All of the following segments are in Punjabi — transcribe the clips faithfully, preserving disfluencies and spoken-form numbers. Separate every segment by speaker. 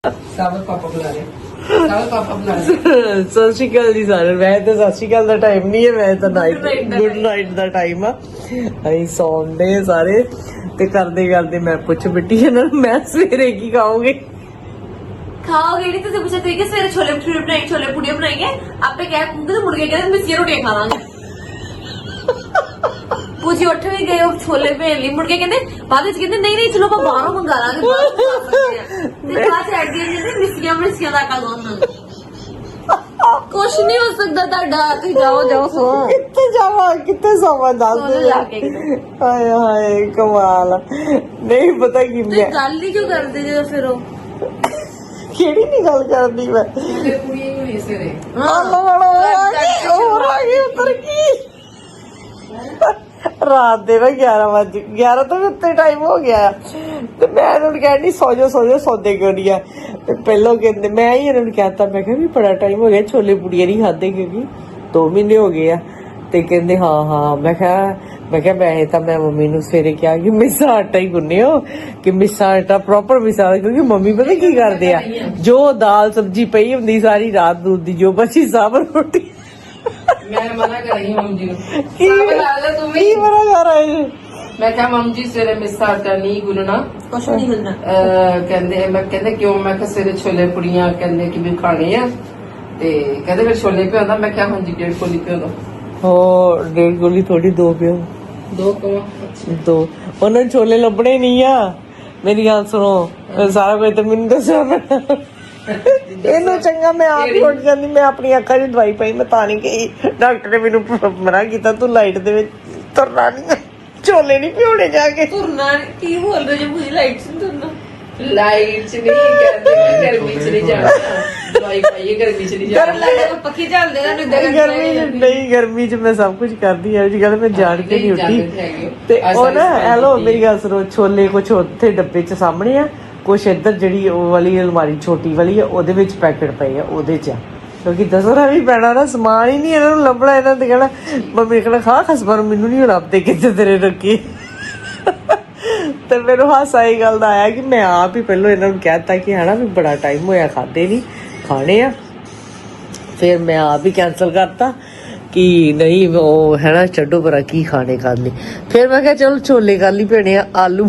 Speaker 1: ਸਾਬਤ ਪਾਪਾ ਬੁਲਾ ਰਹੇ ਸਾਬਤ ਪਾਪਾ ਬੁਲਾ ਰਹੇ
Speaker 2: ਸਤਿ ਸ਼੍ਰੀ ਅਕਾਲ ਜੀ ਸਾਰਿਆਂ ਨੂੰ। ਵੈਸੇ ਤਾਂ ਸਤਿ ਸ਼੍ਰੀ ਅਕਾਲ ਦਾ ਟਾਈਮ ਨਹੀਂ ਹੈ, ਵੈਸੇ ਤਾਂ ਨਾਈਟ ਗੁੱਡ ਨਾਈਟ ਦਾ ਟਾਈਮ ਆ। ਅਸੀਂ ਸੌਂਦੇ ਸਾਰੇ ਤੇ ਕਰਦੇ ਕਰਦੇ ਮੈਂ ਪੁੱਛ ਬਿੱਟੀ ਇਹਨਾਂ ਨੂੰ ਮੈਂ ਸਵੇਰੇ ਕੀ ਖਾਓਗੇ।
Speaker 3: खाओगे नहीं तो पूछा थे कि सवेरे छोले भटूरे बनाएंगे, छोले पूड़ियाँ बनाएंगे। आपने क्या तो मुर्गे कहते मिस्सी रोटियां खा लांगे। पूछी उठ भी गए छोले भेल ली मुर्गे कहते बाद में कहते नहीं नहीं चलो ਆਪਾਂ ਬਾਹਰੋਂ ਮੰਗਾ ਲਾਂਗੇ ਤੇ ਬਾਅਦ ਚ ਐਡ ਕਹਿੰਦੇ ਮਿੱਸੀਆਂ ਮਿੱਸੀਆਂ ਦਾ ਕਾਗੋਨ ਕੁਛ ਨਹੀਂ ਹੋ ਸਕਦਾ ਤੁਹਾਡਾ। ਤੁਸੀਂ ਜਾਓ ਜਾਓ ਸੋ
Speaker 2: ਕਿੱਥੇ ਜਾਵਾਂ ਕਿੱਥੇ ਸੌਵਾਂ ਦੱਸ ਦੇ। ਹਾਏ ਹਾਏ ਕਮਾਲ। ਨਹੀਂ ਪਤਾ ਕੀ ਮੈਂ
Speaker 3: ਗੱਲ ਹੀ ਕਿਉਂ ਕਰਦੇ ਜਦੋਂ ਫਿਰ ਉਹ
Speaker 2: ਕਿਹੜੀ ਨਹੀਂ ਗੱਲ ਕਰਦੀ ਮੈਂ
Speaker 1: ਛੋਲੇ ਪੂੜੀਆਂ ਹੀ ਹੋਣੀ ਸਵੇਰੇ
Speaker 2: ਹੋਰ ਆ ਗਈ ਉੱਤਰ ਕੀ ਰਾਤ ਦੇ ਨਾ ਗਿਆਰਾਂ ਵਜੇ ਗਿਆਰਾਂ ਤੋਂ ਵੀ ਉੱਤੇ ਟਾਈਮ ਹੋ ਗਿਆ ਤੇ ਮੈਂ ਇਹਨਾਂ ਨੂੰ ਕਹਿੰਦੀ ਸੌ ਜਾਓ ਸੌ ਜਾਓ ਸੌਦੇ ਕਿਉਂ ਨਹੀਂ ਆ। ਤੇ ਪਹਿਲਾਂ ਕਹਿੰਦੇ ਮੈਂ ਹੀ ਇਹਨਾਂ ਨੂੰ ਕਹਿਤਾ ਮੈਂ ਕਿਹਾ ਵੀ ਬੜਾ ਟਾਈਮ ਹੋ ਗਿਆ ਛੋਲੇ ਪੂੜੀਆਂ ਨਹੀਂ ਖਾਦੇ ਕਿਉਂਕਿ ਦੋ ਮਹੀਨੇ ਹੋ ਗਏ ਆ। ਤੇ ਕਹਿੰਦੇ ਹਾਂ ਹਾਂ ਮੈਂ ਕਿਹਾ ਮੈਂ ਕਿਹਾ ਵੈਸੇ ਤਾਂ ਮੈਂ ਮੰਮੀ ਨੂੰ ਸਵੇਰੇ ਕਿਹਾ ਕਿ ਮਿੱਸਾ ਆਟਾ ਹੀ ਗੁੰਨਿਓ ਕਿ ਮਿੱਸਾ ਆਟਾ ਪ੍ਰੋਪਰ ਮਿੱਸਾ ਕਿਉਂਕਿ ਮੰਮੀ ਪਤਾ ਕੀ ਕਰਦੇ ਆ ਜੋ ਦਾਲ ਸਬਜ਼ੀ ਪਈ ਹੁੰਦੀ ਸਾਰੀ ਰਾਤ ਦੂਧ ਦੀ ਜੋ ਬਚੀ ਸਭ ਰੋਟੀ
Speaker 1: ਮੈਂ ਮਨਾ ਕਰੀ ਮੰਮ ਜੀ ਨੂੰ
Speaker 2: ਕੀ
Speaker 1: ਤੂੰ
Speaker 2: ਕੀ ਮਨਾ ਕਰ ਰਹੇ
Speaker 1: ਮੈਂ ਕਿਹਾ ਮੰਮ ਜੀ ਸਵੇਰੇ ਮਿੱਸਾ ਆਟਾ ਨਹੀਂ ਗੁੰਨਣਾ
Speaker 3: ਕੁਛ ਨਹੀਂ ਹੁੰਦਾ।
Speaker 1: ਕਹਿੰਦੇ ਮੈਂ ਕਹਿੰਦੇ ਕਿਉਂ ਮੈਂ ਕਿਹਾ ਸਵੇਰੇ ਛੋਲੇ ਪੂੜੀਆਂ ਕਹਿੰਦੇ ਕਿ ਵੀ ਖਾਣੇ ਆ ਤੇ ਕਹਿੰਦੇ ਫਿਰ ਛੋਲੇ ਪਿਆਉਂਦਾ ਮੈਂ ਕਿਹਾ ਹਾਂਜੀ ਡੇਢ ਕੋਲੀ ਪਿਆਉਂਦਾ
Speaker 2: ਹੋ ਡੇਢ ਗੋਲੀ ਥੋੜੀ ਦੋ ਪਿਓ
Speaker 1: ਦੋ ਕੋ
Speaker 2: ਦੋ ਉਹਨਾਂ ਨੂੰ ਛੋਲੇ ਲੱਭਣੇ ਨਹੀਂ ਆ। ਮੇਰੀ ਗੱਲ ਸੁਣੋ ਸਾਰਾ ਕੁਝ ਤਾਂ ਮੈਨੂੰ ਦੱਸੋ ਇਹਨੂੰ ਚੰਗਾ ਮੈਂ ਆਪ ਹੀ ਉੱਠ ਜਾਂਦੀ। ਮੈਂ ਆਪਣੀ ਅੱਖਾਂ 'ਚ ਦਵਾਈ ਪਾਈ ਮੈਂ ਤਾਂ ਨਹੀਂ ਗਈ। ਡਾਕਟਰ ਨੇ ਮੈਨੂੰ ਮਨਾ ਕੀਤਾ ਤੂੰ ਲਾਈਟ ਦੇ ਵਿੱਚ ਤੁਰਨਾ ਨਹੀਂ ਛੋਲੇ ਨਹੀਂ ਪਿਉਣੇ ਜਾ ਕੇ।
Speaker 3: ਤੁਰਨਾ ਕੀ ਬੋਲ ਰਹੇ ਹੋ ਮੁझे ਲਾਈਟ से ਤੁਰਨਾ
Speaker 1: ਲਾਈਟ ਚ ਨਹੀਂ ਕਹਿੰਦੇ ਗਰਮੀ ਚ ਨਹੀਂ ਜਾਣਾ ਦਵਾਈ ਪਾਈਏ ਗਰਮੀ ਚ ਨਹੀਂ ਜਾਣਾ
Speaker 3: ਪੱਖੀ ਚੱਲਦੇ ਨਾ ਨਿੱਦਰ
Speaker 2: ਗਰਮੀ ਚ ਨਹੀਂ ਗਰਮੀ ਚ ਮੈਂ ਸਭ ਕੁਝ ਕਰਦੀ ਆ ਜੀ ਗੱਲ ਮੈਂ ਜਾਣ ਕੇ ਨਹੀਂ ਉੱਠੀ। ਤੇ ਉਹ ਨਾ ਹੈਲੋ ਮੇਰੀ ਗੱਲ ਸੁਣੋ ਛੋਲੇ ਕੁਛ ਉੱਥੇ ਡੱਬੇ ਚ ਸਾਹਮਣੇ ਆ ਕੁਛ ਇੱਧਰ ਜਿਹੜੀ ਉਹ ਵਾਲੀ ਅਲਮਾਰੀ ਛੋਟੀ ਵਾਲੀ ਆ ਉਹਦੇ ਵਿੱਚ ਪੈਕਟ ਪਏ ਆ ਉਹਦੇ ਚ ਕਿਉਂਕਿ ਦੱਸਣਾ ਵੀ ਪੈਣਾ ਨਾ ਸਮਾਨ ਹੀ ਨਹੀਂ ਇਹਨਾਂ ਨੂੰ ਲੱਭਣਾ। ਇਹਨਾਂ ਤੇ ਕਹਿਣਾ ਮੰਮੀ ਨੇ ਕਹਿਣਾ ਖਾ ਖਸਬਾ ਨੂੰ ਮੈਨੂੰ ਨਹੀਂ ਲੱਭਦੇ ਕਿੱਥੇ ਤੇਰੇ ਰੱਖੀ। ਤੇ ਮੈਨੂੰ ਹਾਸਾ ਇਹ ਗੱਲ ਦਾ ਆਇਆ ਕਿ ਮੈਂ ਆਪ ਹੀ ਪਹਿਲਾਂ ਇਹਨਾਂ ਨੂੰ ਕਹਿ ਦਿੱਤਾ ਕਿ ਹੈ ਨਾ ਵੀ ਬੜਾ ਟਾਈਮ ਹੋਇਆ ਖਾਦੇ ਨਹੀਂ ਖਾਣੇ ਆ। ਫਿਰ ਮੈਂ ਆਪ ਹੀ ਕੈਂਸਲ ਕਰਤਾ ਕਿ ਨਹੀਂ ਉਹ ਹੈ ਨਾ ਛੱਡੋ ਪਰਾਂ ਕੀ ਖਾਣੇ ਕਰ ਲਈ। ਫਿਰ ਮੈਂ ਕਿਹਾ ਚਲੋ ਛੋਲੇ ਕਰ ਲਈ ਭੈਣੇ ਆਲੂ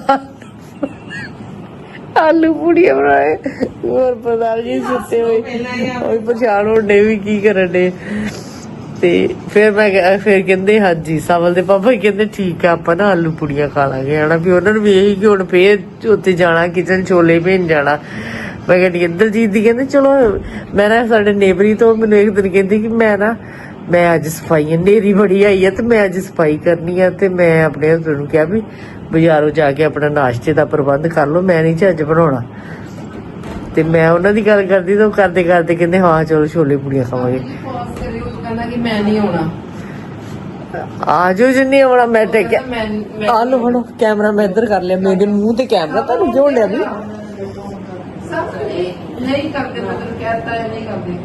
Speaker 2: ਆਲੂ ਪੂੜੀਆਂ ਬਣਾਏ ਹੋਰ ਪਤਾ ਜੀ ਸੁੱਤੇ ਹੋਏ ਉਹ ਪਛਾਣ ਹੁੰਦੇ ਵੀ ਕੀ ਕਰਨ ਦੇ। ਤੇ ਫਿਰ ਮੈਂ ਫਿਰ ਕਹਿੰਦੇ ਹਾਂਜੀ ਸਾਵਲ ਦੇ ਪਾਪਾ ਕਹਿੰਦੇ ਠੀਕ ਆ ਆਪਾਂ ਨਾ ਆਲੂ ਪੂੜੀਆਂ ਖਾ ਲਾਂਗੇ ਹਨਾ ਵੀ ਉਹਨਾਂ ਨੂੰ ਵੀ ਇਹੀ ਕਿ ਹੁਣ ਫੇਰ ਉੱਥੇ ਜਾਣਾ ਕਿਚਨ ਛੋਲੇ ਭੇਜ ਜਾਣਾ। ਮੈਂ ਕਹਿੰਦੀ ਦਲਜੀਤ ਦੀ ਕਹਿੰਦੇ ਚਲੋ ਮੈਂ ਨਾ ਸਾਡੇ ਨੇਬਰੀ ਤੋਂ ਮੈਨੂੰ ਇੱਕ ਦਿਨ ਕਹਿੰਦੀ ਕਿ ਮੈਂ ਨਾ ਮੈਂ ਅੱਜ ਸਫਾਈ ਹਨੇਰੀ ਬੜੀ ਆਈ ਆ ਤੇ ਮੈਂ ਅੱਜ ਸਫਾਈ ਕਰਨੀ ਆ ਤੇ ਮੈਂ ਆਪਣੇ ਹਸਬੈਂਡ ਨੂੰ ਕਿਹਾ ਵੀ ਬਾਜ਼ਾਰੋਂ ਜਾ ਕੇ ਆਪਣਾ ਨਾਸ਼ਤੇ ਦਾ ਪ੍ਰਬੰਧ ਕਰ ਲਓ ਮੈਂ ਨਹੀਂ ਅੱਜ ਬਣਾਉਣਾ। ਤੇ ਮੈਂ ਉਹਨਾਂ ਦੀ ਗੱਲ ਕਰਦੀ ਤਾਂ ਕਰਦੇ ਕਰਦੇ ਕਹਿੰਦੇ ਹਾਂ ਚਲੋ ਛੋਲੇ ਪੂੜੀਆਂ ਖਾਵਾਂਗੇ।
Speaker 1: ਕਹਿੰਦਾ ਕਿ ਮੈਂ ਨਹੀਂ ਆਉਣਾ
Speaker 2: ਆ ਜਾਓ ਜਿੰਨੀ ਆਉਣਾ ਮੈਂ ਤੇ
Speaker 1: ਮੈਂ
Speaker 2: ਆ ਲੋ ਫੜੋ ਕੈਮਰਾ ਮੈਂ ਇੱਧਰ ਕਰ ਲਿਆ ਮੇਰੇ ਮੂੰਹ ਤੇ ਕੈਮਰਾ ਤੁਹਾਨੂੰ ਕਿਉਂ ਲਿਆ ਵੀ
Speaker 1: ਸਭ ਨਹੀਂ ਕਰਦੇ ਮਤਲਬ ਕਹਿਤਾ ਹੈ ਨਹੀਂ ਕਰਦੇ।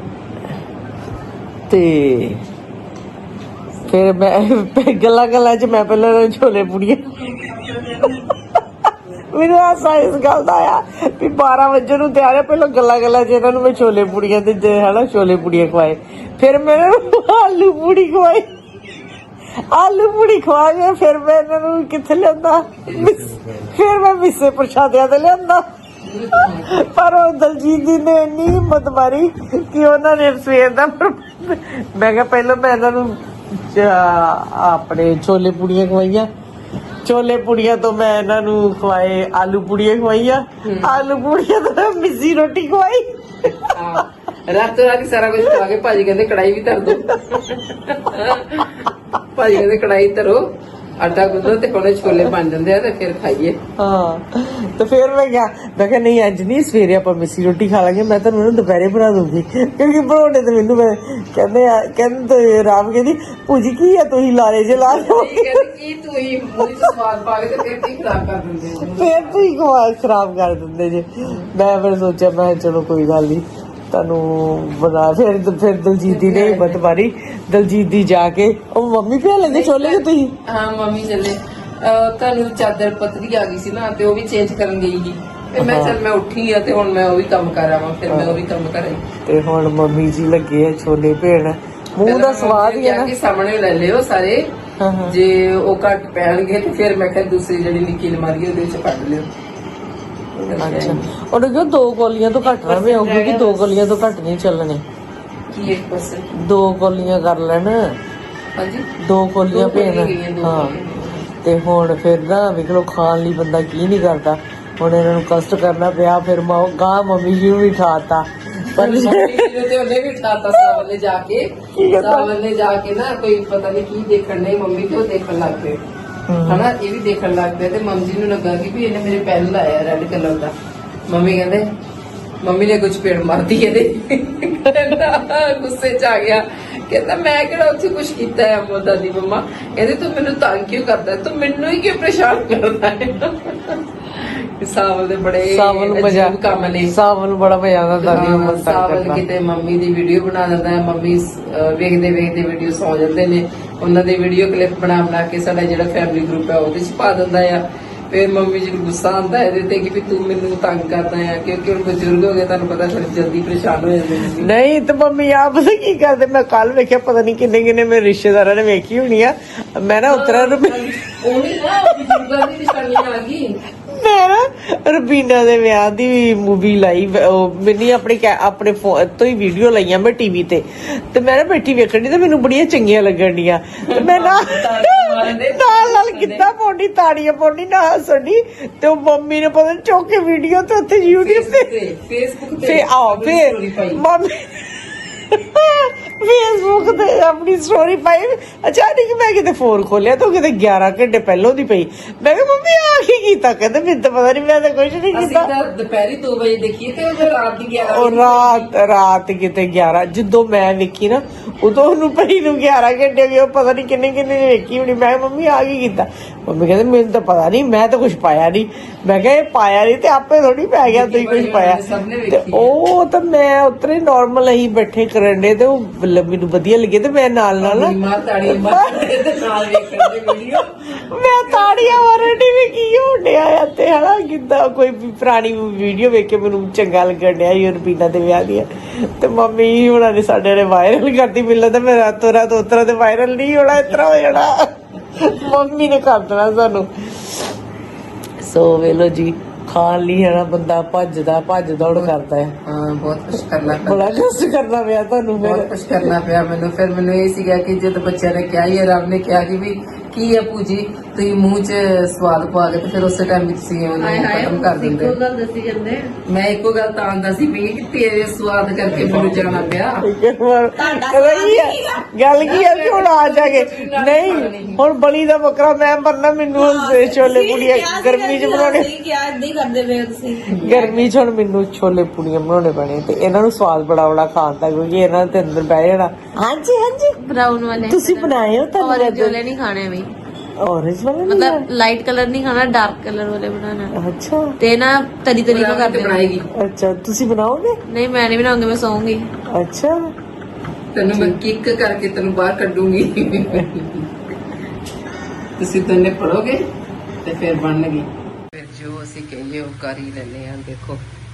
Speaker 2: ਤੇ ਫਿਰ ਮੈਂ ਗੱਲਾਂ ਗੱਲਾਂ ਚ ਮੈਂ ਪਹਿਲਾਂ ਛੋਲੇ ਪੂੜੀਆਂ ਮੈਨੂੰ ਹਾਸਾ ਇਸ ਗੱਲ ਦਾ ਆਇਆ ਵੀ ਬਾਰਾਂ ਵਜੇ ਨੂੰ ਤਿਆਰ ਹੈ ਪਹਿਲਾਂ ਗੱਲਾਂ ਗੱਲਾਂ ਚ ਇਹਨਾਂ ਨੂੰ ਮੈਂ ਛੋਲੇ ਪੂੜੀਆਂ ਤੇ ਹਨਾ ਛੋਲੇ ਪੂੜੀਆਂ ਖਵਾਏ। ਫਿਰ ਮੈਂ ਆਲੂ ਪੂੜੀ ਖਵਾਈ ਆਲੂ ਪੂੜੀ ਖਵਾ ਕੇ ਫਿਰ ਮੈਂ ਇਹਨਾਂ ਨੂੰ ਕਿੱਥੇ ਲਿਆਂਦਾ ਫਿਰ ਮੈਂ ਮਿੱਸੇ ਪ੍ਰਸ਼ਾਦਿਆਂ ਤੇ ਲਿਆਂਦਾ। ਪਰ ਉਹ ਦਲਜੀਤ ਜੀ ਨੇ ਇੰਨੀ ਹਿੰਮਤ ਮਾਰੀ ਕਿ ਉਹਨਾਂ ਨੇ ਸਵੇਰ ਦਾ ਮੈਂ ਕਿਹਾ ਪਹਿਲਾਂ ਮੈਂ ਇਹਨਾਂ ਨੂੰ ਆਪਣੇ ਛੋਲੇ ਪੂੜੀਆਂ ਖਵਾਈਆਂ ਛੋਲੇ ਪੂੜੀਆਂ ਤੋਂ ਮੈਂ ਇਹਨਾਂ ਨੂੰ ਖਵਾਏ ਆਲੂ ਪੂੜੀਆਂ ਖਵਾਈਆਂ ਆਲੂ ਪੂੜੀਆਂ ਤੋਂ ਮਿੱਸੀ ਰੋਟੀ ਖਵਾਈ।
Speaker 1: ਰਾਤੋਂ ਰਾਤ ਸਾਰਾ ਕੁਝ ਖਵਾ ਕੇ ਭਾਜੀ ਕਹਿੰਦੇ ਕੜਾਈ ਵੀ ਧਰ ਦੋ ਭਾਜੀ ਕਹਿੰਦੇ ਕੜਾਈ ਧਰੋ ਆਟਾ ਗੁੰਨੋ ਤੇ ਕੋਲੇ ਛੋਲੇ ਬਣ ਜਾਂਦੇ ਆ ਤੇ ਫਿਰ ਖਾਈਏ।
Speaker 2: ਹਾਂ ਤੇ ਫਿਰ ਮੈਂ ਕਿਹਾ ਮੈਂ ਕਿਹਾ ਨਹੀਂ ਅੱਜ ਨਹੀਂ ਸਵੇਰੇ ਆਪਾਂ ਮਿੱਸੀ ਰੋਟੀ ਖਾ ਲਾਂਗੇ ਮੈਂ ਤੁਹਾਨੂੰ ਉਹਨੂੰ ਦੁਪਹਿਰੇ ਬਣਾ ਦੂੰਗੀ ਕਿਉਂਕਿ ਬਣਾਉਣੇ ਤੇ ਮੈਨੂੰ ਮੈਂ ਕਹਿੰਦੇ ਆ ਕਹਿੰਦੇ ਰਾਮ ਕਹਿੰਦੀ ਭੂਜੀ ਕੀ ਆ ਤੁਸੀਂ ਲਾਰੇ ਜੇ ਲਾ
Speaker 1: ਕੀ ਤੂੰ ਹੀ ਮੂੰਹ ਚ ਸਵਾਦ ਪਾ ਕੇ ਤੇ ਫਿਰ ਕੀ ਖਰਾਬ ਕਰ ਦਿੰਦੇ
Speaker 2: ਫਿਰ ਤੁਸੀਂ ਖਵਾ ਖਰਾਬ ਕਰ ਦਿੰਦੇ ਜੇ। ਮੈਂ ਫਿਰ ਸੋਚਿਆ ਮੈਂ ਚਲੋ ਕੋਈ ਗੱਲ ਨਹੀਂ ਤੁਹਾਨੂੰ ਬਣਾ ਫਿਰ ਫਿਰ ਦਲਜੀਤ ਦੀ ਨੇ ਹਿੰਮਤ ਮਾਰੀ ਦਲਜੀਤ ਦੀ ਜਾ ਕੇ ਉਹ ਮੰਮੀ ਪਿਆ ਲੈਂਦੇ ਛੋਲੇ ਕਿ ਤੁਸੀਂ
Speaker 1: ਹਾਂ ਮੰਮੀ ਚੱਲੇ ਤੁਹਾਨੂੰ ਚਾਦਰ ਪਤਲੀ ਆ ਗਈ ਸੀ ਨਾ ਤੇ ਉਹ ਵੀ ਚੇਂਜ ਕਰਨ ਗਈ ਸੀ ਤੇ ਮੈਂ ਚੱਲ ਮੈਂ ਉੱਠੀ ਆ ਤੇ ਹੁਣ ਮੈਂ ਉਹ ਵੀ ਕੰਮ ਕਰ ਆਵਾਂ, ਫਿਰ ਮੈਂ ਉਹ ਵੀ ਕੰਮ ਕਰਾਂ।
Speaker 2: ਤੇ ਹੁਣ ਮੰਮੀ ਜੀ ਲੱਗੇ ਆ ਛੋਲੇ ਭੇਣ, ਮੂੰਹ ਦਾ ਸਵਾਦ ਹੀ ਹੈ ਨਾ।
Speaker 1: ਸਾਹਮਣੇ ਲੈ ਲਿਓ ਸਾਰੇ, ਜੇ ਉਹ ਘੱਟ ਪੈਣਗੇ ਤੇ ਫਿਰ ਮੈਂ ਕਿਹਾ ਦੂਸਰੀ ਜਿਹੜੀ ਨਿੱਕੀ ਅਲਮਾਰੀ ਉਹਦੇ ਵਿੱਚ ਕੱਢ ਲਿਓ।
Speaker 2: ਅੱਛਾ, ਉਹਨੇ ਕਿਹਾ ਦੋ ਕੋਲੀਆਂ ਤੋਂ ਘੱਟ ਨਾ ਪਿਆਓ, ਕਿਉਂਕਿ ਦੋ ਕੋਲੀਆਂ ਤੋਂ ਘੱਟ ਨਹੀਂ ਚੱਲਣੇ।
Speaker 1: ਕੀ ਇੱਕ ਪਾਸੇ
Speaker 2: ਦੋ ਕੋਲੀਆਂ ਕਰ ਲੈਣ।
Speaker 1: ਹਾਂਜੀ,
Speaker 2: ਦੋ ਕੋਲੀਆਂ ਭੇਣ। ਹਾਂ, ਤੇ ਹੁਣ ਫਿਰ ਨਾ ਵੇਖ ਲਓ ਖਾਣ ਲਈ ਬੰਦਾ ਕੀ ਨਹੀਂ ਕਰਦਾ। ਹੁਣ ਇਹਨਾਂ ਨੂੰ ਕਸ਼ਟ ਕਰਨਾ ਪਿਆ, ਫਿਰ ਮਾਂ ਗਾਂ ਮੰਮੀ ਜੀ ਨੂੰ ਵੀ ਠਾਤਾ।
Speaker 1: ਪਰ ਤੇ ਉਹਨੇ ਵੀ ਠਾਤਾ ਸਾਵਲੇ ਜਾ ਕੇ, ਸਾਵਲੇ ਜਾ ਕੇ ਨਾ ਕੋਈ ਪਤਾ ਨਹੀਂ ਕੀ ਦੇਖਣ ਨਹੀਂ ਮੰਮੀ ਤੇ ਉਹ ਦੇਖਣ ਲੱਗ ਪਏ ਹਨਾ, ਇਹ ਵੀ ਦੇਖਣ ਲੱਗ ਪਿਆ। ਤੇ ਮੰਮੀ ਜੀ ਨੂੰ ਲੱਗਾ ਕਿ ਵੀ ਇਹਨੇ ਮੇਰੇ ਪੈਨ ਲਾਇਆ ਰੈਡ ਕਲਰ ਦਾ। ਮੰਮੀ ਕਹਿੰਦੇ ਮੰਮੀ ਨੇ ਕੁਝ ਪੇੜ ਮਾਰਦੀ ਇਹਦੇ, ਗੁੱਸੇ ਚ ਆ ਗਿਆ। ਕਹਿੰਦਾ ਮੈਂ ਕਿਹੜਾ ਉੱਥੇ ਕੁਝ ਕੀਤਾ ਹੈ ਅਮੋ ਦਾਦੀ ਮੰਮਾ। ਕਹਿੰਦੇ ਤੂੰ ਮੈਨੂੰ ਤੰਗ ਕਿਉਂ ਕਰਦਾ, ਤੂੰ ਮੈਨੂੰ ਹੀ ਕਿਉਂ ਪਰੇਸ਼ਾਨ ਕਰਦਾ ਹੈ। ਸਾਵਲ ਦੇ ਬੜੇ ਅਜੀਬ ਕੰਮ ਨੇ।
Speaker 2: ਸਾਵਲ ਨੂੰ ਬੜਾ ਮਜ਼ਾ ਆਉਂਦਾ ਦਾਦੀ ਨੂੰ ਤੰਗ
Speaker 1: ਸਾਵਲ
Speaker 2: ਕਰਨਾ।
Speaker 1: ਕਿਤੇ ਮੰਮੀ ਦੀ ਵੀਡੀਓ ਬਣਾ ਦਿੰਦਾ ਹੈ, ਮੰਮੀ ਵੇਖਦੇ ਵੇਖਦੇ ਵੀਡੀਓ ਸੌ ਜਾਂਦੇ ਨੇ, ਉਹਨਾਂ ਦੇ ਵੀਡੀਓ ਕਲਿੱਪ ਬਣਾ ਬਣਾ ਕੇ ਸਾਡਾ ਜਿਹੜਾ ਫੈਮਿਲੀ ਗਰੁੱਪ ਹੈ ਉਹਦੇ ਚ ਪਾ ਦਿੰਦਾ ਆ। ਫਿਰ ਮੰਮੀ ਜੀ ਨੂੰ ਗੁੱਸਾ ਆਉਂਦਾ ਇਹਦੇ ਤੇ ਕਿ ਵੀ ਤੂੰ ਮੈਨੂੰ ਤੰਗ ਕਰਦਾ ਆ, ਕਿਉਂਕਿ ਹੁਣ ਬਜ਼ੁਰਗ ਹੋ ਗਏ, ਤੁਹਾਨੂੰ ਪਤਾ ਫਿਰ ਜਲਦੀ ਪਰੇਸ਼ਾਨ ਹੋ ਜਾਂਦੇ ਨੇ।
Speaker 2: ਨਹੀਂ ਤੇ ਮੰਮੀ ਆਪ ਪਤਾ ਕੀ ਕਰਦੇ, ਮੈਂ ਕੱਲ ਵੇਖਿਆ ਪਤਾ ਨਹੀਂ ਕਿੰਨੇ ਕਿੰਨੇ ਮੇਰੇ ਰਿਸ਼ਤੇਦਾਰਾਂ ਨੇ ਵੇਖੀ ਹੋਣੀ ਆ। ਮੈਂ ਨਾ ਉਤਰਾ ਰੁਪਏ
Speaker 1: ਉਹਨੇ ਨਾ ਬਜ਼ੁਰਗਾਂ ਦੀ ਨਿਸ਼ਾਨੀ ਆ ਗਈ।
Speaker 2: ਮੈਂ ਨਾ ਰਬੀਨਾ ਦੇ ਵਿਆਹ ਦੀ ਮੂਵੀ ਲਾਈ, ਉਹ ਮੈਨੇ ਆਪਣੇ ਆਪਣੇ ਫੋਨ ਤੋਂ ਹੀ ਵੀਡੀਓ ਲਾਈਆਂ ਮੈਂ ਟੀਵੀ ਤੇ, ਤੇ ਮੈਂ ਨਾ ਬੈਠੀ ਵੇਖਣ ਦੀ ਤੇ ਮੈਨੂੰ ਬੜੀਆਂ ਚੰਗੀਆਂ ਲੱਗਣ ਡੀਆਂ। ਤੇ ਮੈਂ ਨਾ ਨਾਲ ਨਾਲ ਕਿੱਦਾਂ ਪਾਉਣੀ, ਤਾੜੀਆਂ ਪਾਉਣੀ ਨਾ ਹੱਸਣੀ। ਤੇ ਉਹ ਮੰਮੀ ਨੇ ਪਤਾ ਚੁੱਕ ਕੇ ਵੀਡੀਓ ਤੇ ਉੱਥੇ ਯੂਟਿਊਬ ਤੇ
Speaker 1: ਫੇਸਬੁੱਕ
Speaker 2: ਤੇ ਆਓ ਫੇਰ ਮੰਮੀ ਫੇਸਬੁੱਕ ਤੇ ਆਪਣੀ ਸਟੋਰੀ ਪਾਈ। ਅਚਾਨਕ ਮੈਂ ਕਿਤੇ ਫੋਨ ਖੋਲਿਆ ਤਾਂ ਕਿਤੇ ਗਿਆਰਾਂ ਘੰਟੇ ਪਹਿਲਾਂ ਦੀ ਪਈ। ਮੈਂ ਕਿਹਾ ਮੰਮੀ ਆ ਕੀ ਕੀਤਾ? ਕਹਿੰਦੇ ਮੈਨੂੰ ਤਾਂ ਪਤਾ ਨਹੀਂ, ਮੈਂ ਤਾਂ ਕੁਝ ਨਹੀਂ ਕੀਤਾ।
Speaker 1: ਦੁਪਹਿਰੀ ਦੋ ਵਜੇ ਦੇਖੀ ਤੇ ਉਹ ਰਾਤ ਦੀ ਗਿਆਰਾਂ
Speaker 2: ਉਹ ਰਾਤ ਰਾਤ ਕਿਤੇ ਗਿਆਰਾਂ, ਜਦੋਂ ਮੈਂ ਵੇਖੀ ਨਾ ਉਦੋਂ ਉਹਨੂੰ ਪਈ ਨੂੰ ਗਿਆਰਾਂ ਘੰਟੇ ਹੋ ਗਏ। ਉਹ ਪਤਾ ਨਹੀਂ ਕਿੰਨੇ ਕਿੰਨੇ ਨੇ ਵੇਖੀ ਹੋਣੀ। ਮੈਂ ਕਿਹਾ ਮੰਮੀ ਆ ਕੀ ਕੀਤਾ? ਮੰਮੀ ਕਹਿੰਦੇ ਮੈਨੂੰ ਤਾਂ ਪਤਾ ਨਹੀਂ, ਮੈਂ ਤਾਂ ਕੁਝ ਪਾਇਆ ਨਹੀਂ। ਮੈਂ ਕਿਹਾ ਇਹ ਪਾਇਆ ਨਹੀਂ ਤੇ ਆਪੇ ਥੋੜੀ ਪੈ ਗਿਆ, ਤੁਸੀਂ ਕੁਝ ਪਾਇਆ। ਤੇ ਉਹ ਤਾਂ ਮੈਂ ਉਤਰੇ ਨਾਰਮਲ ਅਸੀਂ ਬੈਠੇ ਕਰਨ ਦੇ ਤੇ ਉਹ ਮੈਨੂੰ ਵਧੀਆ ਲੱਗੇ ਤੇ ਮੈਂ ਨਾਲ ਨਾਲ
Speaker 1: ਮੈਂ ਤਾੜੀਆਂ
Speaker 2: ਮਾਰਨ ਦੀ ਵੀ ਕੀ ਹੋਣ ਡਿਆ ਆ ਤੇ ਹਨਾ ਕਿੱਦਾਂ ਕੋਈ ਪੁਰਾਣੀ ਵੀਡੀਓ ਵੇਖ ਕੇ ਮੈਨੂੰ ਚੰਗਾ ਲੱਗਣ ਡਿਆ ਯੂਰਪੀਨਾ ਦੇ ਵਿਆਹ ਦੀਆਂ। ਤੇ ਮੰਮੀ ਹੁਣਾਂ ਨੇ ਸਾਡੇ ਨੇ ਵਾਇਰਲ ਕਰਤੀ। ਮਿਲਦਾ ਤਾਂ ਮੈਂ ਰਾਤੋਂ ਰਾਤ ਉਤਰਾ ਤੇ ਵਾਇਰਲ ਨਹੀਂ ਹੋਣਾ, ਇਸ ਤਰ੍ਹਾਂ ਹੋ ਜਾਣਾ। ਮੰਮੀ ਨੇ ਕਰ ਦੇਣਾ ਸਾਨੂੰ। ਸੋ ਵੇਲੋ ਜੀ, ਖਾਣ ਲਈ ਹੈ ਨਾ ਬੰਦਾ ਭੱਜਦਾ ਭੱਜ ਦੌੜ ਕਰਦਾ ਹੈ।
Speaker 1: ਹਾਂ, ਬਹੁਤ ਕੁਛ ਕਰਨਾ ਪਿਆ,
Speaker 2: ਬੜਾ ਕੁਛ ਕਰਨਾ ਪਿਆ ਤੁਹਾਨੂੰ।
Speaker 1: ਬਹੁਤ ਕੁਛ ਕਰਨਾ ਪਿਆ ਮੈਨੂੰ। ਫਿਰ ਮੈਨੂੰ ਇਹ ਸੀਗਾ ਕਿ ਜਦ ਬੱਚਿਆਂ ਨੇ ਕਿਹਾ ਹੀ ਰੱਬ ਨੇ ਕਿਹਾ ਕਿ ਵੀ ਕੀ ਹੈ ਪੂਜੀ, ਤੁਸੀਂ ਮੂੰਹ 'ਚ ਸਵਾਦ ਪਾ ਕੇ ਤੇ ਫਿਰ ਉਸੇ ਟਾਈਮ ਵਿੱਚ ਤੁਸੀਂ ਉਹਨੂੰ ਖਤਮ ਕਰ ਦਿੰਦੇ। ਮੈਂ ਇੱਕੋ ਗੱਲ ਤਾਂ ਆਂਦਾ ਸੀ ਵੀ ਕਿ ਤੇਰੇ ਸਵਾਦ ਕਰਕੇ ਮੈਨੂੰ ਜਾਣਾ ਪਿਆ।
Speaker 2: ਗੱਲ ਕੀ ਹੈ ਕਿ ਹੁਣ ਆ ਜਾਗੇ ਨਹੀਂ, ਹੁਣ ਬਲੀ ਦਾ ਬੱਕਰਾ ਮੈਂ ਬਣਨਾ। ਮੈਨੂੰ ਹੁਣ ਛੋਲੇ ਪੂੜੀਆਂ ਗਰਮੀ 'ਚ ਬਣਾਉਣੇ, ਗਰਮੀ 'ਚ ਹੁਣ ਮੈਨੂੰ ਛੋਲੇ ਪੂੜੀਆਂ ਬਣਾਉਣੇ ਪੈਣੇ। ਤੇ ਇਹਨਾਂ ਨੂੰ ਸਵਾਦ ਬੜਾ ਬੜਾ ਖਾਣ ਦਾ, ਕਿਉਂਕਿ ਇਹਨਾਂ ਦੇ ਅੰਦਰ ਬਹਿ ਜਾਣਾ। ਹਾਂਜੀ ਹਾਂਜੀ,
Speaker 3: ਬਰਾਊਨ ਵਾਲੇ
Speaker 2: ਤੁਸੀਂ ਬਣਾਏ ਹੋ? ਤਾਂ
Speaker 3: ऑरेंज वाले नहीं खाने अभी,
Speaker 2: ऑरेंज वाले
Speaker 3: मतलब लाइट कलर नहीं खाना, डार्क कलर वाले बनाना।
Speaker 2: अच्छा,
Speaker 3: ते ना तरी तरी को कर
Speaker 1: ਬਣਾਏਗੀ।
Speaker 2: अच्छा ਤੁਸੀਂ ਬਣਾਓਗੇ?
Speaker 3: नहीं मैं नहीं बनाऊंगी, मैं सोऊंगी।
Speaker 2: अच्छा,
Speaker 1: ਤੈਨੂੰ ਮੈਂ ਕਿੱਕ ਕਰਕੇ ਤੈਨੂੰ ਬਾਹਰ ਕੱਢੂੰਗੀ। ਤੁਸੀਂ ਦੋਨੇ ਪੜੋਗੇ ਤੇ ਫਿਰ ਬਣਨਗੇ। ਫਿਰ ਜੋ ਅਸੀਂ ਕਹੀਏ ਉਹ ਕਰ ਹੀ ਲੈਂਦੇ ਆ। ਦੇਖੋ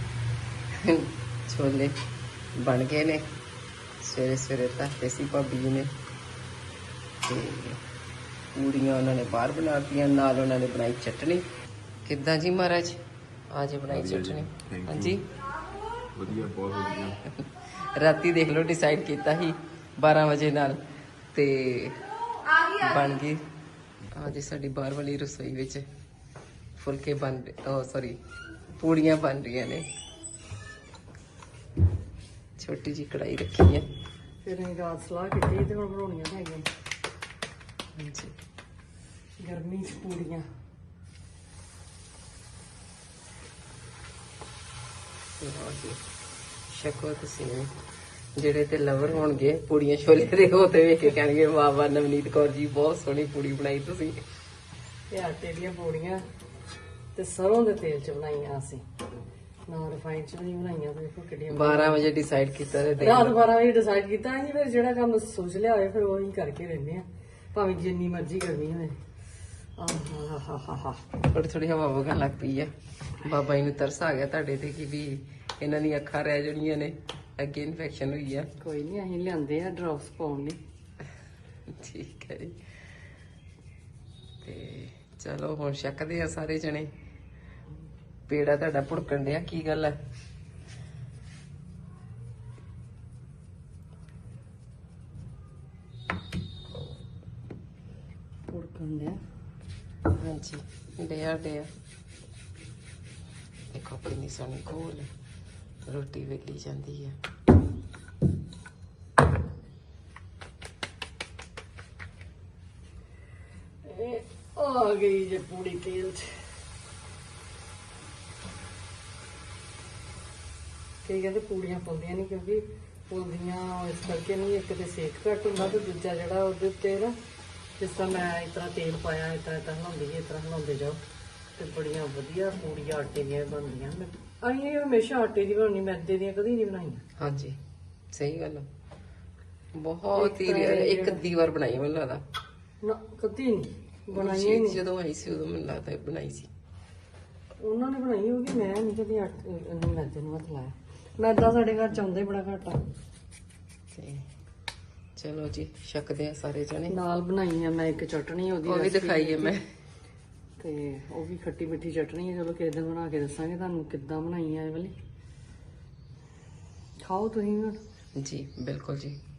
Speaker 1: ਛੋਲੇ ਬਣ ਗਏ ਨੇ, ਸਵੇਰੇ ਸਵੇਰੇ ਧਰਤੇ ਸੀ ਭਾਬੀ ਜੀ ਨੇ। ਤੇ ਪੂੜੀਆਂ ਉਹਨਾਂ ਨੇ ਬਾਹਰ ਬਣਾਤੀਆਂ, ਨਾਲ ਉਹਨਾਂ ਨੇ ਬਣਾਈ ਚਟਨੀ। ਕਿੱਦਾਂ ਜੀ ਮਹਾਰਾਜ, ਅੱਜ ਬਣਾਈ ਚਟਨੀ? ਹਾਂਜੀ
Speaker 4: ਵਧੀਆ, ਬਹੁਤ ਵਧੀਆ।
Speaker 1: ਰਾਤੀ ਦੇਖ ਲਓ ਡਿਸਾਈਡ ਕੀਤਾ ਸੀ ਬਾਰਾਂ ਵਜੇ ਨਾਲ ਤੇ ਬਣ ਗਈ। ਆ ਜੀ ਸਾਡੀ ਬਾਹਰ ਵਾਲੀ ਰਸੋਈ ਵਿੱਚ ਫੁਲਕੇ ਬਣ ਉਹ ਸੌਰੀ ਪੂੜੀਆਂ ਬਣ ਰਹੀਆਂ ਨੇ। ਛੋਟੀ ਜੀ ਕੜਾਈ ਰੱਖੀ ਹੈ।
Speaker 2: ਫਿਰ ਅਸੀਂ ਰਾਤ ਸਲਾਹ ਕੀਤੀ ਤੇ ਹੁਣ ਬਣਾਉਣੀਆਂ ਹੈਗੀਆਂ।
Speaker 1: ਹਾਂਜੀ,
Speaker 2: ਗਰਮੀ 'ਚ ਪੂੜੀਆਂ।
Speaker 1: ਸ਼ਕੋ ਤੁਸੀਂ ਜਿਹੜੇ ਤੇ ਲਵਰ ਹੋਣਗੇ ਪੂੜੀਆਂ ਛੋਲੇ ਦੇ, ਉਹ ਤੇ ਵੇਖ ਕੇ ਕਹਿਣਗੇ ਵਾਹ ਵਾਹ ਨਵਨੀਤ ਕੌਰ ਜੀ ਬਹੁਤ ਸੋਹਣੀ ਪੂੜੀ ਬਣਾਈ ਤੁਸੀਂ।
Speaker 2: ਇਹ ਆਟੇ ਦੀਆਂ ਪੂੜੀਆਂ ਤੇ ਸਰੋਂ ਦੇ ਤੇਲ 'ਚ ਬਣਾਈਆਂ ਅਸੀਂ, ਨਾ ਰਿਫਾਈਨ 'ਚ ਨਹੀਂ ਬਣਾਈਆਂ। ਦੇਖੋ ਕਿੱਡੀਆਂ।
Speaker 1: ਬਾਰਾਂ ਵਜੇ ਡਿਸਾਈਡ ਕੀਤਾ ਤੇ ਦੇਖ
Speaker 2: ਰਾਤ
Speaker 1: ਲਓ।
Speaker 2: ਬਾਰਾਂ ਵਜੇ ਡਿਸਾਈਡ ਕੀਤਾ ਨਹੀਂ, ਫਿਰ ਜਿਹੜਾ ਕੰਮ ਸੋਚ ਲਿਆ ਹੋਵੇ ਫਿਰ ਉਹੀ ਕਰਕੇ ਰਹਿੰਦੇ ਆ, ਭਾਵੇਂ ਜਿੰਨੀ ਮਰਜ਼ੀ ਗਰਮੀ ਹੋਵੇ। ਆਹਾਹਾਹਾ
Speaker 1: ਥੋੜੀ ਥੋੜੀ ਹਵਾ ਵਗਣ ਲੱਗ ਪਈ ਆ। ਬਾਬਾ ਜੀ ਨੂੰ ਤਰਸ ਆ ਗਿਆ ਤੁਹਾਡੇ ਤੇ ਕਿ ਵੀ ਇਹਨਾਂ ਦੀਆਂ ਅੱਖਾਂ ਰਹਿ ਜਾਣੀਆਂ ਨੇ, ਅੱਗੇ ਇਨਫੈਕਸ਼ਨ ਹੋਈ ਆ।
Speaker 2: ਕੋਈ ਨਹੀਂ, ਅਸੀਂ ਲਿਆਂਦੇ ਆ ਡ੍ਰੌਪਸ ਪਾਉਣ ਲਈ।
Speaker 1: ਠੀਕ ਹੈ ਜੀ। ਤੇ ਚਲੋ ਹੁਣ ਛਕਦੇ ਆ ਸਾਰੇ ਜਣੇ। ਪੇੜਾ ਤੁਹਾਡਾ ਭੁੜਕਣ ਡਿਆ, ਕੀ ਗੱਲ ਹੈ?
Speaker 2: ਭੁੜਕਣ ਡਿਆ।
Speaker 1: ਹਾਂਜੀ ਡਿਆ ਡਿਆ। ਦੇਖੋ ਆਪਣੀ ਸੋਹਣੀ ਕੋਲ ਰੋਟੀ ਵੇਲੀ ਜਾਂਦੀ ਆ।
Speaker 2: ਇਹ ਆ ਗਈ ਜੇ ਪੂਰੀ ਤੇਲ ਚ। ਕਈ ਕਹਿੰਦੇ ਪੂੜੀਆਂ ਪਾਉਂਦੀਆਂ ਨਹੀਂ ਕਿਉਂਕਿ ਫੁੱਲਦੀਆਂ ਇਸ ਕਰਕੇ ਨਹੀਂ, ਇੱਕ ਤੇ ਸੇਕ ਘੱਟ ਹੁੰਦਾ ਤੇ ਦੂਜਾ ਜਿਹੜਾ ਉਹਦੇ ਉੱਤੇ ਨਾ ਜਿਸ ਤਰ੍ਹਾਂ ਮੈਂ ਇਸ ਤਰ੍ਹਾਂ ਤੇਲ ਪਾਇਆ ਇਸ ਤਰ੍ਹਾਂ ਇਸ ਤਰ੍ਹਾਂ ਹਿਲਾਉਂਦੀ ਗਈ, ਇਸ ਤਰ੍ਹਾਂ ਹਿਲਾਉਂਦੇ ਜਾਓ ਤੇ ਬੜੀਆਂ ਵਧੀਆ ਪੂੜੀਆਂ ਆਟੇ ਦੀਆਂ ਬਣਦੀਆਂ। ਮੈਂ ਅਸੀਂ ਹਮੇਸ਼ਾ ਆਟੇ ਦੀ ਬਣਾਉਣੀ, ਮੈਦੇ ਦੀਆਂ ਕਦੀ ਨਹੀਂ ਬਣਾਈਆਂ।
Speaker 1: ਹਾਂਜੀ ਸਹੀ ਗੱਲ ਆ। ਬਹੁਤ ਹੀ rare, ਇੱਕ ਅੱਧੀ ਵਾਰ ਬਣਾਈ ਮੈਨੂੰ ਲੱਗਦਾ।
Speaker 2: ਨਾ ਕਦੀ ਨਹੀਂ ਬਣਾਈਆਂ ਹੀ ਨਹੀਂ।
Speaker 1: ਜਦੋਂ ਆਈ ਸੀ ਉਦੋਂ ਮੈਨੂੰ ਲੱਗਦਾ ਬਣਾਈ ਸੀ
Speaker 2: ਉਹਨਾਂ ਨੇ ਬਣਾਈ ਹੋਗੀ, ਮੈਂ ਨਹੀਂ ਕਦੀ ਆਟੇ ਨੂੰ ਮੈਦੇ ਨੂੰ ਹੱਥ ਲਾਇਆ। ਮੈਦਾ ਸਾਡੇ ਘਰ ਚ ਆਉਂਦਾ ਹੀ ਬੜਾ ਘੱਟ ਆ।
Speaker 1: ਤੇ ਚਲੋ ਜੀ ਛਕਦੇ ਆ ਸਾਰੇ ਜਣੇ।
Speaker 2: ਨਾਲ ਬਣਾਈ ਆ ਮੈਂ ਇੱਕ ਚਟਣੀ, ਉਹਦੀ
Speaker 1: ਉਹ ਵੀ
Speaker 2: recipe
Speaker 1: ਦਿਖਾਈ ਹੈ ਮੈਂ।
Speaker 2: ਤੇ ਉਹ ਵੀ ਖੱਟੀ ਮਿੱਠੀ ਚਟਣੀ ਹੈ। ਚਲੋ ਕਿਸੇ ਦਿਨ ਬਣਾ ਕੇ ਦੱਸਾਂਗੇ ਤੁਹਾਨੂੰ ਕਿੱਦਾਂ ਬਣਾਈ ਆ ਇਹ ਵਾਲੀ। ਖਾਓ ਤੁਸੀਂ ਵੀ ਹੁਣ।
Speaker 1: ਜੀ ਬਿਲਕੁਲ ਜੀ।